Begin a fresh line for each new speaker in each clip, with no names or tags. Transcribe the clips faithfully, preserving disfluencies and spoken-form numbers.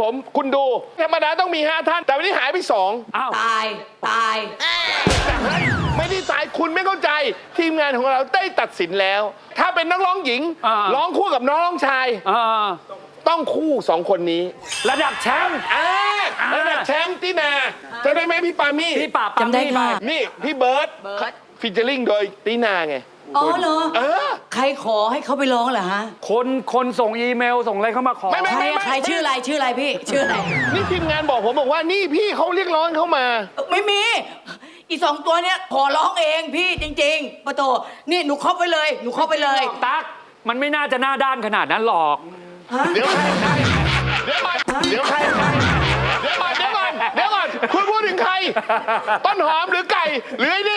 ผมคุณดูธรรมดาต้องมีห้าท่าน แต่วันนี้หายไปสอง
อ้าว
ตายตาย
ไม่ได้ตายคุณไม่เข้าใจ ทีมงานของเราได้ตัดสินแล้ว ถ้าเป็นนักร้องหญิง
อ่า
ร้องคู่กับน้องร้องชาย
อ่า
ต้องคู่สองคนนี้
ระดับแชมป์
อ่า
อ่า
ระดับแชมป์ที่นาจะได้ไหมพี่ปามี่
ที่ปราบ
จำได้
ปามี่
ค่ะ
ไป
นี่พี่เบิร์ต
เบิร์ต
ฟิชเจอริงโดยตีนาไง
อ๋อเหรอ
เออ
ใครขอให้เขาไปร้องเหรอฮะ
คนคนส่งอีเมลส่งอะไรเข้ามาขอ
ไม่ไม่
ใครอะใครชื่ออะไรชื่ออะไรพี่ ชื่ออะไร
นี่ทีมงานบอกผมบอกว่านี่พี่เขาเรียกร้องเข้ามา
ไม่มี อีสองตัวเนี้ยขอร้องเองพี่จริงๆปะโตนี่หนูครอบไปเลย หนูครอบไปเลย
ตั๊กมันไม่น่าจะหน้าด้านขนาดนั้นหรอก
ฮะ
เดี๋ยวใครใครเดี๋ยวก่อนเดี๋ยวใครใครเดี๋ยวก่อนเดี๋ยวก่อนเดี๋ยวก่อนคุณพูดถึงใคร ต้นหอมหรือไก่หรือไอ้นี่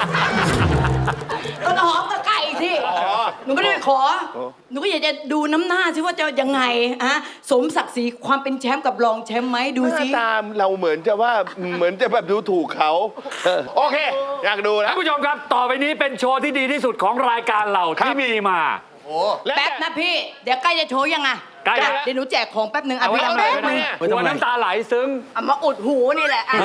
ต้นหอมกับไก่สิหนูไม่ได้ไปขอ หนูก็อยากจะดูน้ำหน้าสิว่าจะยังไงอะสมศักดิ์ศรีความเป็นแชมป์กับรองแชมป์ไหมดู
ห
สิ
น้าตามเราเหมือนจะว่าเหมือนจะแบบดูถูกเขาโอเค อยากดูนะ
ท่านผู้ชมครับ ต่อไปนี้เป็นโชว์ที่ดีที่สุดของรายการเรา
ครับ
ที่มีมา
และ
แป๊บนะพี่ เดี๋ยวใกล้จะโชว์ยังอะ
ใกล้แล้ว
เดี๋ยวหนูแจกของแป๊บหนึ่งอ่ะ
เอาไว้
พี่
ทำไม
แป๊บ
ไม่
นึง
ได้หัวน้ำตาไหลซึ้ง
เอามาอุดหูนี่แหละอ่ะ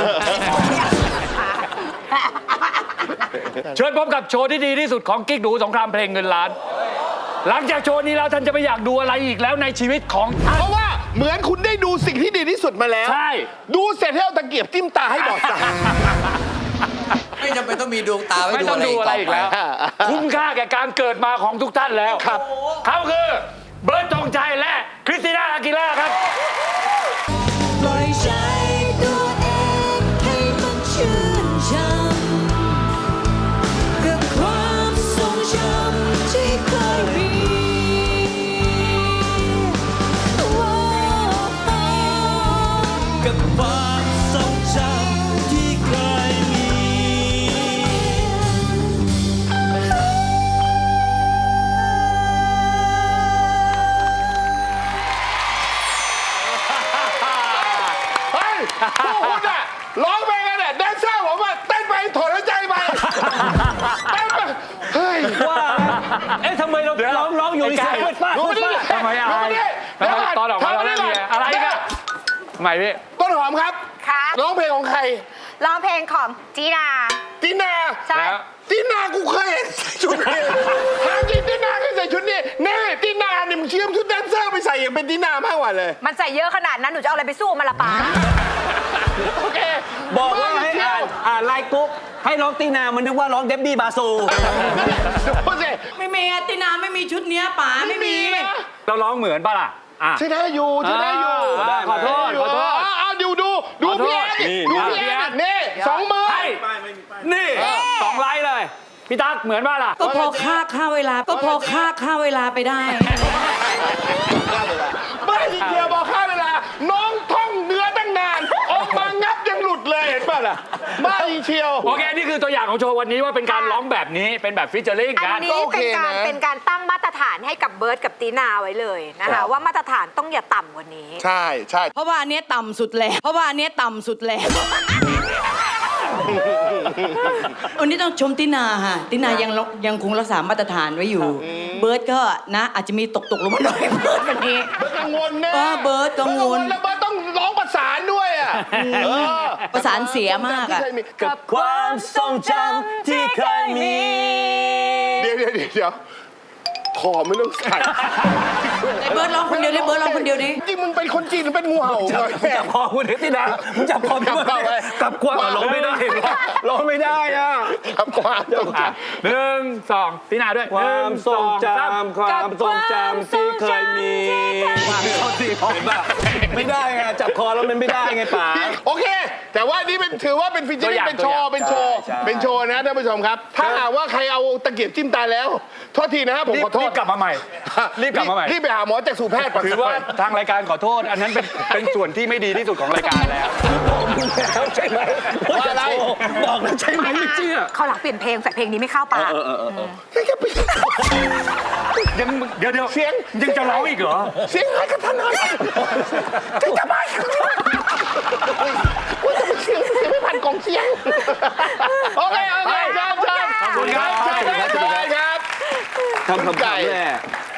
เชิญพบกับโชว์ที่ดีที่สุดของกิ๊กดูสงครามเพลงเงินล้าน หลังจากโชว์นี้แล้วท่านจะไม่อยากดูอะไรอีกแล้วในชีวิตของท่าน
เพราะว่าเหมือนคุณได้ดูสิ่งที่ดีที่สุดมาแล้ว
ใช่
ดูเสร็จให้เอาตะเกียบจิ้มตาให้บอดตา
ไม่จำเป็นต้องมีดวงตาไว้
ไม่
ดู
ต้อง
อะไร
ดู
อีก
อะไร
ต่อ
อีก
ไป
แล้ว คุ้มค่าแก่การเกิดมาของทุกท่านแล้ว
ครับ
เขาคือเบิร์ตธงชัยและคริสติน่าอากิล่าครับ
ปล่อยใจตัวเองให้มันชื่นช่ำกับความทรงจำที่เคยมีกับความทรงจำที่เคยมี
เฮ้ยพวกคุณอะร้องเพลงกันเนี่ยแดนเซอร์ผมอะเต้นไปถอนหายใจไปเต้นไปเฮ้ย
ว่าเอ๊ะทำไมเราร้องร้องอยู่ในเสียงมืดฟ้า
ดู
มืด
ดิ
ฟ้า
ทำไมอาย
ดูดิ
ทำไมตอนออกมาเราเล่นเนี่ยอะไรกันทำไมพี่
ต้นหอมครับ
ค่ะ
ร้องเพลงของใคร
ร้องเพลงของจีนา
ตินา
ใช่
แล้ว
ตินากูเคยเห็นใส่ชุดนี้ทางจริงตินาเคยใส่ชุดนี้แน่ตินาเนี่ยมึงเชื่อมชุดแดนเซอร์ไปใส่อย่างเป็นตินามากกว่าเลย
มันใส่เยอะขนาดนั้น หนูจะเอาอะไรไปสู้มันละป้า
โอเค
บอกว่าให้อ่านอ่านไลน์กรุ๊ปให้ร้องตีนามันนึกว่าร้องเดบบี้บาซู
ดูสิ
ไม่มีอะตินาไม่มีชุดเนี้ยป๋าไม่มี
นะ
เราร้องเหมือนปะล่ะอ่ะ
ใช่ได้อยู่ใช่ได้อยู่
อ่าขอโทษขอโทษ
เาเอาดูดูดู
ขอโทษ
พี่แอนดิ
นี่
ดู
นี่
พี่แอนนี่สองมือ
ให้นี่สองไลน์เลย พี่ตั๊กเหมือนปะล่ะ
ก็พอค่าค่าเวลา ก็พอค่าค่าเวลาไปได้
ไม่จริงเดียวบอกค่าเวลา น้องท่องเนื้อตั้งนานออกมางับยังหลุดเลยเห็นป่ะล่ะบ้าจริงเชียว
โอเค นี่คือตัวอย่างของโชว์วันนี้ว่าเป็นการร้องแบบนี้เป็นแบบฟิชเจอริง
อัน
กัน
นี้
ก็โอ
เป็
เคน
การ
นะ
เป็นการตั้งมาตรฐานให้กับเบิร์ดกับตีนาไว้เลยนะคะว่ามาตรฐานต้องอย่าต่ำกว่านี้
ใช่ใช่
เพราะว่าอันเนี้ยต่ำสุดแล้ว เพราะว่าอันเนี้ยต่ำสุดแล้ว วันนี้ต้องชมตินาค่ะตินายังยังคงรักษามาตรฐานไว้อยู่ เบิร์ดก็นะ อาจจะมีตกตกๆลงมาหน่อยเบิร์ดวันนี้
เบิร์ดกังวลนะ
เออเบิร์ดกังวล
แล้วเบิร์ดต้องร้องประสานด้วยอ่ะเออ
ประสานเสียมากอะ
ที่เคยมี
กับความทรงจำที่เคยมี
เดี๋ยวเดี๋ยวเดี๋ยวเดี๋ยวขอไม่ต้องใส่
ไอ้เบิร์ดร้องคนเดียวดิเบิร์ดร้องคนเดียวดิ
จริงมึงเป็นคนจีนหรือเป็นงูเห่า
จับ
เนี่ย
จับคอคุณตีนามึงจับคอ
จับคอไว้
กับความร้องไม่ได้ร้องไม่ได้อ่ะ
ครับความตรง
อ่ะหนึ่งสองตีนาด้วย
ความทรงจ
หนึ่สาม
ำความทรงจำที่เคยมีเขาสิเห็นป่ะไม่ได้ไงจับคอแล้วมันไม่ได้ไงป๋า
โอเค แต่ว่านี่เป็นถือว่าเป็นฟิชเชอร์เป็นโชว์เป็นโชว์
ใช่
เป็นโชว์นะท่านผู้ชมครับ ถ้าหากว่าใครเอาตะเกียบจิ้มตาแล้วโทษทีนะครับผม
รีบ
ขอโท
รี
ษ
บกลับมาใหม่ รีบกลับมาใหม่
รีบไปหาหมอจากสู่แพทย์ก่อน
ถือว่าทางรายการขอโทษ อันนั้นเป็นเป็นส่วนที่ไม่ดีที่สุดของรายการแล้ว
แล้วใช่ไหม
ว่าอะไร
บอกแล้วใช่ไหมไม่เชื่อ
เขาหลังเปลี่ยนเพลงใส่เพลงนี้ไม่เข้าปาก
ยังเดี๋ยวเดี๋ยว
เสียง
ยังจะร้องอีกเหรอ
เสียงหายกระทันหันจะจะไปว่าจะไปเสียงเสียงไม่ผ่านกล่องเสียงโอเคโอเคเชิญเชิญ
ขอบคุณครับ
เชิญเชิญครับ
ทำคำถามแน่